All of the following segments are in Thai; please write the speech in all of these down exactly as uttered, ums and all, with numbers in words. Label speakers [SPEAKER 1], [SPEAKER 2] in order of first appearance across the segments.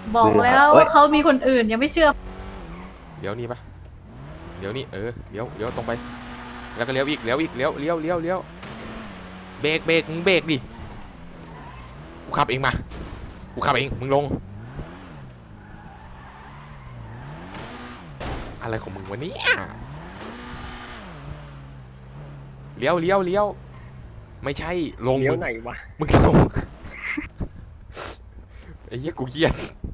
[SPEAKER 1] บอกแล้วว่าเขามีคนอื่นยังไม่เชื่อ
[SPEAKER 2] เลี้ยวนี่ปะเลี้ยวนี่เออเลี้ยวเลี้ยวตรงไปแล้วก็เลี้ยวอีกเลี้ยวอีกเลี้ยวเลี้ยวเลี้ยวเลี้ยวเบรกเบรกมึงเบรกดิกูขับเองมากูขับเองมึงลงอะไรของมึงวะเนี่ยเลี้ยวเลี้ยวเลี้ยวไม่ใช่ลง
[SPEAKER 3] เลี้ย
[SPEAKER 2] มึ
[SPEAKER 3] ว
[SPEAKER 2] ง
[SPEAKER 3] ไหนวะ
[SPEAKER 2] มึงลงไอ้เหี้ยกูเครียด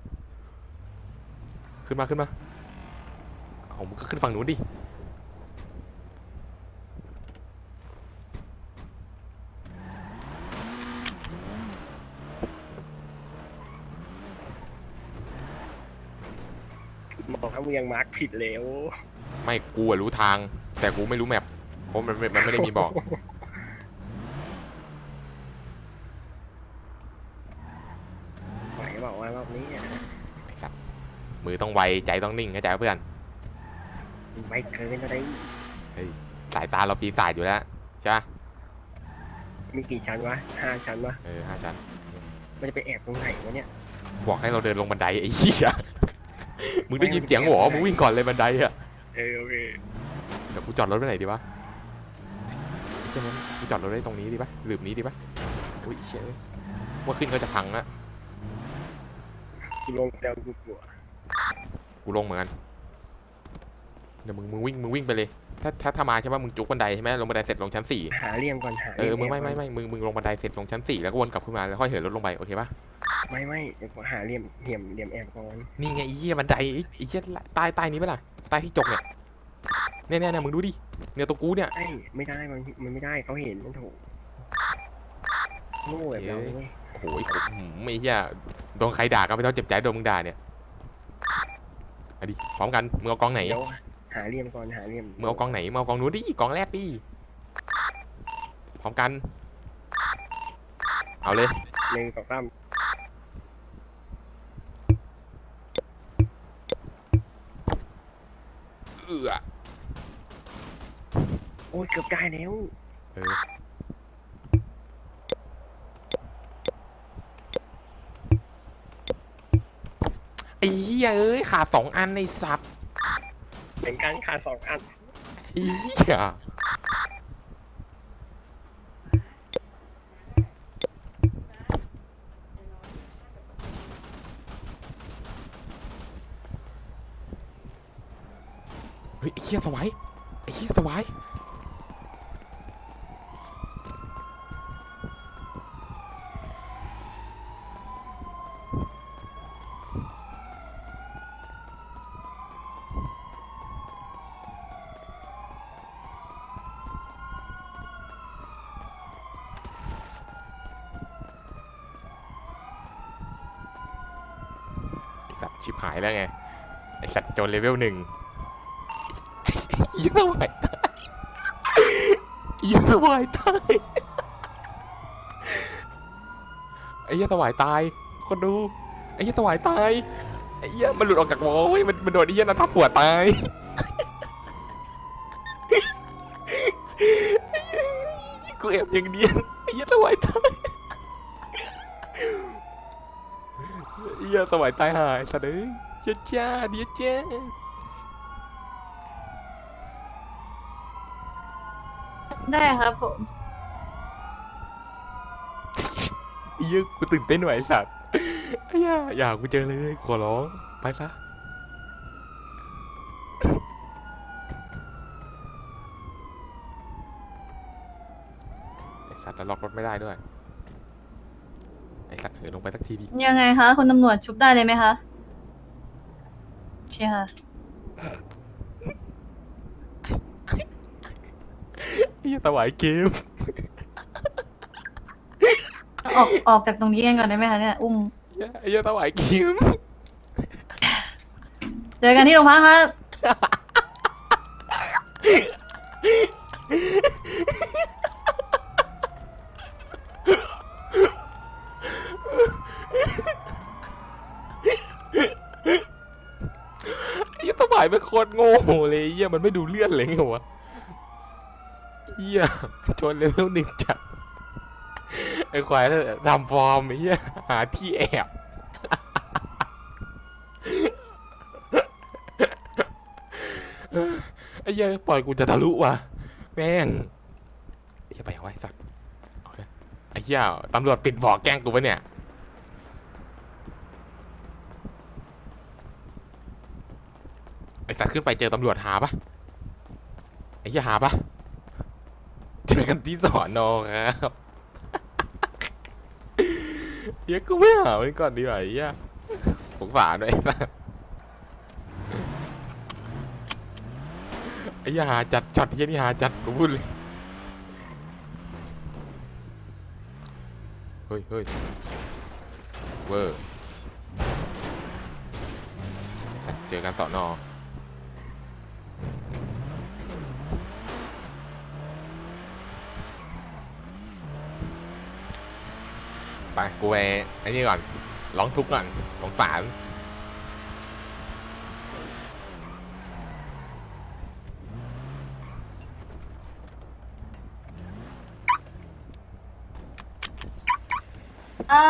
[SPEAKER 2] ขึ้นมาขึ้นมาเอามึงก็ขึ้นฝั่งนู้นดิ
[SPEAKER 3] บอกว่ามึงยังมาร์กผิดแล้ว
[SPEAKER 2] ไม่กูอะรู้ทางแต่กูไม่รู้แมพเพราะมันไม่มันไม่ได้มีบอก
[SPEAKER 3] ไหวบอกว่ารอบนี้อะ
[SPEAKER 2] ไอ้สัตว์มือต้องไวใจต้องนิ่งเข้าใจปะเพื่อน
[SPEAKER 3] ไม่เกินอะไร
[SPEAKER 2] เฮ้ยสายตาเราปีศาจอยู่แล้วใช่ปะ
[SPEAKER 3] มีกี่ชั้นวะห้าชั้นวะ
[SPEAKER 2] เออห้าชั้น
[SPEAKER 3] มันจะไปแอบตรงไหนวะเนี่ย
[SPEAKER 2] บอกให้เราเดินลงบันไดไอ้เหี้ยมึงได้ยินเสียงหวอมึงวิ่งก่อนเลยบันไดอะ
[SPEAKER 3] เออโอเค
[SPEAKER 2] เดี๋ยวกูจอดรถไว้ไหนดีวะใช่ไหมกูจอดรถไว้ตรงนี้ดีปะหลืบนี้ดีปะอุ้ยเชี่ยว่าขึ้นก็จะพังละ
[SPEAKER 3] กูลงแล้วกูกลัว
[SPEAKER 2] กูลงเหมือนกันเดี๋ยวมึงมึงวิ่งมึงวิ่งไปเลยถ้าถ้าถ้ามาใช่ปะมึงจุกบันไดใช่ไหมลงบันไดเสร็จลงชั้นสี่
[SPEAKER 3] หาเหลี่ยมก่อนหา
[SPEAKER 2] เออมึงไม่ไม่ไม่มึงมึงลงบันไดเสร็จลงชั้นสี่แล้วก็วนกลับขึ้นมาแล้วค่อยเหินรถลงไปโอเคปะ
[SPEAKER 3] ไม่ไม่เดี๋ยวกูหาเหลี่ยมเหลี่ยมเหลี่ยมแอบก่อน
[SPEAKER 2] นี่ไงไอ้เหี้ยบันไดไอ้ไอ้เหี้ยใต้ใต้นี้ปะล่ะใต้ที่จกเนี่ยเนี่ยเนี่ยเนี่ยมึงดูดิเนี่ยตัวกูเนี่ย
[SPEAKER 3] ไอ้ไม่ได้มันมันไม่ได้เขาเห็นมันถูกโง่แบบเราเว้ย
[SPEAKER 2] โอ้โหไม่เหี้ยโดนใครด่าก็ไม่ต้องเจ็บใจโดนมึงด่าเนี่ยเอาดิพร้อมกันมึงเอากองไหน
[SPEAKER 3] เดี๋ยวหาเหลี่ยมก่อนหาเหลี่ยม
[SPEAKER 2] มึงเอากองไหนมึงเอากองนู้นดิกองแรกดิพร้อมกันเอาเลย
[SPEAKER 3] หนึ่งสองสาม
[SPEAKER 2] เอือ
[SPEAKER 3] โอ้ยเกือบได้แล้ว
[SPEAKER 2] เออไอ้เหี้ยเอ้ยขาดสองอันในสัตว์
[SPEAKER 3] เป็นการขาดสองอัน
[SPEAKER 2] ไอ้เหี้ยเฮ้ยไอ้เหี้ยสวายไอ้เหี้ยสวายไอ้สัตว์ชิบหายแล้วไงไอ้สัตว์โจนเลเวลหนึ่งยี่สวายตายยี่สวายตายไอ้ยี่สวายตายคนดูไอ้ยี่สวายตายไอ้ยี่มันหลุดออกจากวอลเว้ยมันมันโดนไอ้ยี่นันทับหัวตายกูแอบอย่างเดียวไอ้ยี่สวายตายไอ้ยี่สวายตายหายสัตว์เอ้ยเจ้าจ้าเดียจ้า
[SPEAKER 1] ได้ครับผม
[SPEAKER 2] ไอ้เหี้ยกูตื่นเต้นหน่อยไอ้สัตว์ไอ้เหี้ยอย่ากูเจอเลยขอร้องไปซะไอ้สัตว์แล้วล็อกรถไม่ได้ด้วยไอ้สัตว์เหินลงไปสักทีดิ
[SPEAKER 1] ยังไงคะคุณตำรวจชุบได้เลยไหมคะโอเคค่ะ
[SPEAKER 2] ไอ้เหี้ยตะหวายเกม
[SPEAKER 1] ออกออกจากตรงนี้กันก่อนได้ไหมคะเนี่ยอุ้ม
[SPEAKER 2] ไอ้เหี้ยตะหวายเกม
[SPEAKER 1] เจอกันที่โรงพักครับ
[SPEAKER 2] ไอ้เหี้ยตะหวายเป็นโคตรโง่เลยไอ้เหี้ยมันไม่ดูเลื่อนเลยไงวะเหี้ยชนเลเวลหนึ่งจัดไอ้ควายทำฟอร์มไอ้เหี้ยหาที่แอบไอ้เหี้ยปล่อยกูจะทะลุว่ะแม่งไอ้เหี้ยไปยังไงสัตว์เอาเลยไอ้เหี้ยตำรวจปิดบ่อแกล้งกูปะเนี่ยไอ้สัตว์ขึ้นไปเจอตำรวจหาปะไอ้เหี้ยหาปะเจอกันที่สอนอครับเหี้ยกูไม่หามันก่อนดีกว่าไอ้เหี้ยสงสารด้วยไอ้สัตว์ไอ้เหี้ยหาจัดช็อตเหี้ยนี่หาจัดกูพูดเลยเฮ้ยเฮ้ยเวอร์ไอ้สัตว์เจอกันสอนอไปกูไปไอ้นี่ก่อนร้องทุกข์ก่อนสงสาร
[SPEAKER 1] อ่า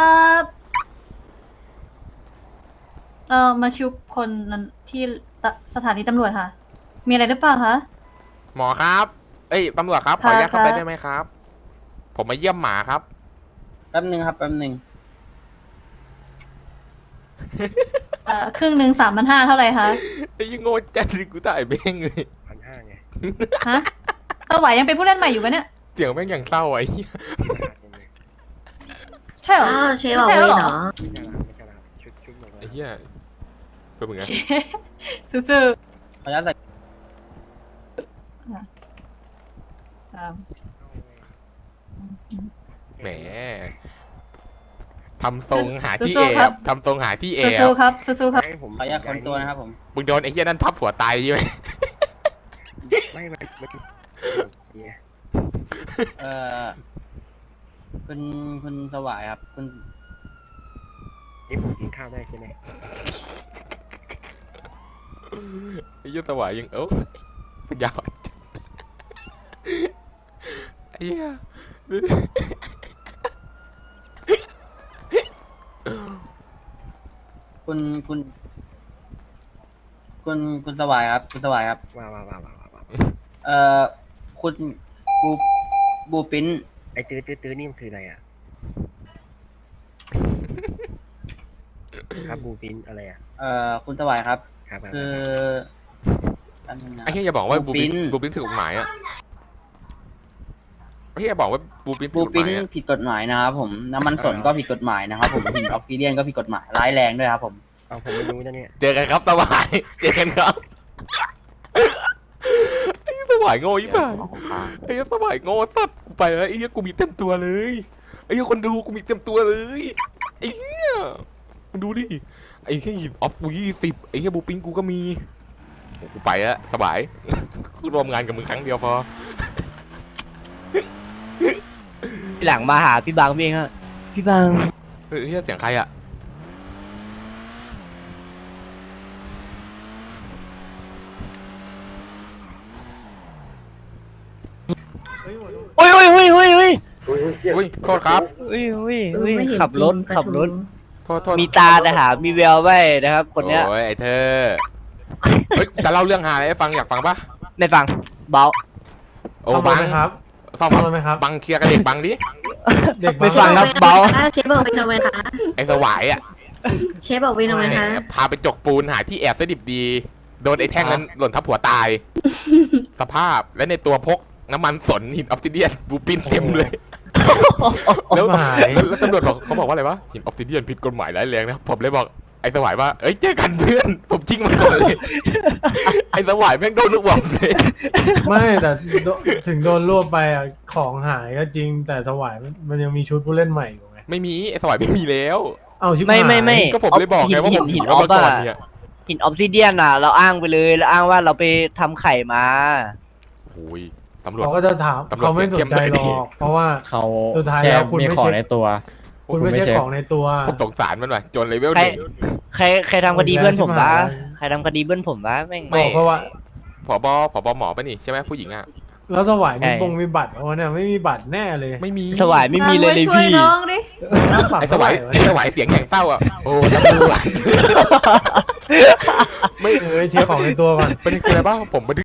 [SPEAKER 1] เออมาชุบคนนั้นที่ตสถานีตำรวจค่ะ มีอะไรหรือเปล่าคะ
[SPEAKER 2] หมอครับเอ้ยตำรวจครับขออนุญาต
[SPEAKER 1] ค่ะ
[SPEAKER 2] เข้าไป
[SPEAKER 1] ค่ะ
[SPEAKER 2] ได้ไหมครับ ผมมาเยี่ยมหมาครับ
[SPEAKER 4] แป๊บนึงครับแป๊บนึง
[SPEAKER 1] เอ่อครึ่งหนึ่งสามพันห้าเท่าไหร่คะ
[SPEAKER 2] ไอ้ยังโง่จัดเลยกูถ่ายแม่งเลย
[SPEAKER 3] พันห้าไง
[SPEAKER 1] ฮะสวัยยังเป็นผู้เล่นใหม่อยู่ปะเนี่ย
[SPEAKER 2] เสียงแม่งอย่างเศร้าไอ้เหี้ย
[SPEAKER 1] ใช่เหรอ
[SPEAKER 5] อ้าวเชฟบอกเวนเหรอ
[SPEAKER 3] ไม่ใช่ละไม่ใช่ละชุดชุดหมดเล
[SPEAKER 2] ไอ้
[SPEAKER 3] ย
[SPEAKER 2] เหี้ยเป็นมึงไง
[SPEAKER 1] ซื่อ
[SPEAKER 4] ขออนุญาตใส่
[SPEAKER 1] ๆอ่า
[SPEAKER 2] แหมทำทรงหาที่แอบทำทรงหาที่แอ
[SPEAKER 1] สู้
[SPEAKER 2] บ
[SPEAKER 1] ๆครับสู้ๆครับ
[SPEAKER 3] ให้ผม
[SPEAKER 4] ขออนุญาตคนตัวนะครับผม
[SPEAKER 2] มึงโดนไอ้เหี้ยนั่นทับหัวตายใช่ไหม
[SPEAKER 3] ไม่ไม่ไม่เนี่ย
[SPEAKER 4] เอ่อคุณคุณสวายครับ คุณ
[SPEAKER 3] นี่ผมกินข้าวได้ใช่ไหม
[SPEAKER 2] ไอ้เหี้ยสวายยังเอ้าปัญญาอ่อนจัดไอ้เหี้ย
[SPEAKER 4] คุณคุณ คุณคุณสวายครับ คุณสวายครับ
[SPEAKER 3] ว้าวว้าวว้าวว้าวว้าว
[SPEAKER 4] เอ่อคุณบูบูปิ้น
[SPEAKER 3] ไอ้ตื้อตื้อตื้อนี่มันคืออะไรอ่ะครับบูปินอะไรอ่ะ
[SPEAKER 4] เอ่อคุณสวายครับ
[SPEAKER 3] ครับครับ
[SPEAKER 4] คืออันนึงนะ
[SPEAKER 2] ไอ้เหี้ยอย่าบอกว่าบู
[SPEAKER 4] บูปิ้
[SPEAKER 2] ปิน
[SPEAKER 4] น
[SPEAKER 2] บูปินผิดกฎหมายอ่ะไอ้เหี้ยบอกว่าบูปินผิด
[SPEAKER 4] บู
[SPEAKER 2] กฎห
[SPEAKER 4] ปิ้น
[SPEAKER 2] มายอ่ะ
[SPEAKER 4] ผิดกฎหมายนะครับผมน้ำมันสนก็ผิดกฎหมายนะครับผมหินออกซิเดียนก็ผิดกฎหมายร้ายแรงด้วยครับผม
[SPEAKER 3] เอาผมไม่รู้นะเนี่ย
[SPEAKER 2] เจอกันครับสวายเจอกันครับไอ้เหี้ยสวายโง่ยิ่งไปไอ้เหี้ยสวายโง่สัตว์กูไปแล้วไอ้เหี้ยกูมีเต็มตัวเลยไอ้เหี้ยคนดูกูมีเต็มตัวเลยไอ้เหี้ยมึงดูดิไอ้แค่หินออฟกูยี่สิบไอ้เหี้ยบูปินกูก็มีโอ้กูไปแล้วสบายกูรวมงานกับมึงครั้งเดียวพอ
[SPEAKER 6] ทีหลังมาหาพี่บางพี่เองฮะพี่บาง
[SPEAKER 2] เฮ้ยเหี้ยเสียงใครอะ
[SPEAKER 6] โอ้ยโอ้ยโอ้ยโอ้ยโอ้ย
[SPEAKER 2] อุ้ยโทษครับ
[SPEAKER 6] โอ้ยโอ้ย
[SPEAKER 5] เอ
[SPEAKER 6] โอ้
[SPEAKER 5] อย ไม่เห็น
[SPEAKER 6] ขับรถ
[SPEAKER 5] จงปะ
[SPEAKER 6] ขับรถ
[SPEAKER 2] โทษโทษ
[SPEAKER 6] มีตาแต่หามีแววไว้นะครับ คนเนี้ย
[SPEAKER 2] โอ้ยไอ้เธอเฮ้ยจะเล่าเรื่องหาอะไรให้ฟังอยากฟังปะ
[SPEAKER 6] ไม่ฟังเบา
[SPEAKER 2] โอ้บังครับฟัง
[SPEAKER 7] เอาไหมครับ
[SPEAKER 2] บังเคลียร์กับเด็กบังดิ
[SPEAKER 7] เด็ก
[SPEAKER 6] ไม่
[SPEAKER 7] บ้า
[SPEAKER 6] ฟังครับเบา
[SPEAKER 5] เชฟบอกเวนทำไมคะ
[SPEAKER 2] ไอ้สวายอะ
[SPEAKER 5] เชฟบอกเวนทำไม
[SPEAKER 2] แหม
[SPEAKER 5] คะ
[SPEAKER 2] พาไปจกปูนหาที่แอบซะดิบดี โดนไอ้แท่งนั้นหล่นทับหัวตาย สภาพและในตัวพกน้ำมันสนหินออฟซิเดียนบูปินเต็มเลย แล้ว
[SPEAKER 7] หาย
[SPEAKER 2] แล้วแล้วตำรวจบอกเขาบอกว่าอะไรวะหินออฟซิเดียนผิดกฎหมายร้ายแรงนะผมเลยบอกไอ้สวายว่าเอ้ยเจอกันเพื่อนผมชิงมันก่อนเลย ไอ้สวายแม่งโดนลูกหวงเลย
[SPEAKER 7] ไม่แต่โดถึงโดนรวบไปอ่ะของหายก็จริงแต่สวายมันมันยังมีชุดผู้เล่นใหม่อยู่ไง
[SPEAKER 2] ไม่มีไอ้สวายไม่มีแล้ว
[SPEAKER 7] เอาชิบ
[SPEAKER 6] ไม่
[SPEAKER 7] หาย
[SPEAKER 6] ไม่ไม่
[SPEAKER 2] ก็ผมเลยบอกไงว่าผม
[SPEAKER 6] หิ
[SPEAKER 2] หิ
[SPEAKER 6] น
[SPEAKER 2] น
[SPEAKER 6] ออ
[SPEAKER 2] เอา
[SPEAKER 6] ฟ
[SPEAKER 2] มาก่อน
[SPEAKER 6] อะ
[SPEAKER 2] เนี่ย
[SPEAKER 6] หินออฟซิเดียนอ่ะ เราอ้างไปเลยเราอ้างว่าเราไปทำไข่มา
[SPEAKER 2] โอ้ยตำรวจ
[SPEAKER 7] เขาก็จะถาม
[SPEAKER 2] ตำรวจ
[SPEAKER 7] เขาไม่สนใจหร
[SPEAKER 2] เสียเข้มเลยดิ
[SPEAKER 7] อกเพราะว่า
[SPEAKER 8] เขา
[SPEAKER 7] สุดท้าย
[SPEAKER 8] แค่
[SPEAKER 7] แล้วคุณ
[SPEAKER 8] มี
[SPEAKER 7] ไม่
[SPEAKER 8] ของ
[SPEAKER 7] เช็ค
[SPEAKER 8] ในตัว
[SPEAKER 7] คุณไม่ใช่ของในตัว
[SPEAKER 2] ผมสงสารมันหน่อยจนเลเวล
[SPEAKER 6] ใค
[SPEAKER 2] ห
[SPEAKER 6] ร
[SPEAKER 2] นึ่ง
[SPEAKER 6] ใครใครทำคดีเพื่อนผมวะ
[SPEAKER 7] ชิบหาย
[SPEAKER 6] ใครทำคดีเพื่อนผมวะแม่ง
[SPEAKER 2] ไม่
[SPEAKER 7] บอกเพราะว่า
[SPEAKER 2] ผบผบหมอปะนี่ใช่ไหมผู้หญิงอ่ะ
[SPEAKER 7] แล้วสวายมี
[SPEAKER 6] ใช่
[SPEAKER 7] บงมีบัตรเพราะว่าเนี่ยไม่มีบัตรแน่เลย
[SPEAKER 2] ไม่มี
[SPEAKER 6] สวายไม่มีเลยเลย
[SPEAKER 1] ช่วย
[SPEAKER 6] พี่
[SPEAKER 1] น้องดิ
[SPEAKER 7] น้ำปรับ
[SPEAKER 2] ไอ้ส
[SPEAKER 7] เท่าไห
[SPEAKER 2] วา
[SPEAKER 7] ร่
[SPEAKER 2] ยว
[SPEAKER 7] ะ
[SPEAKER 2] ไอ้
[SPEAKER 7] เนี่ย
[SPEAKER 2] สวายเสียงอย่างเศร้าอ่ะโอ้ตำรวจ
[SPEAKER 7] ไม่เออเช็คของในตัวก่อน
[SPEAKER 2] ประเด็นคืออะไรบ้างผมบันทึก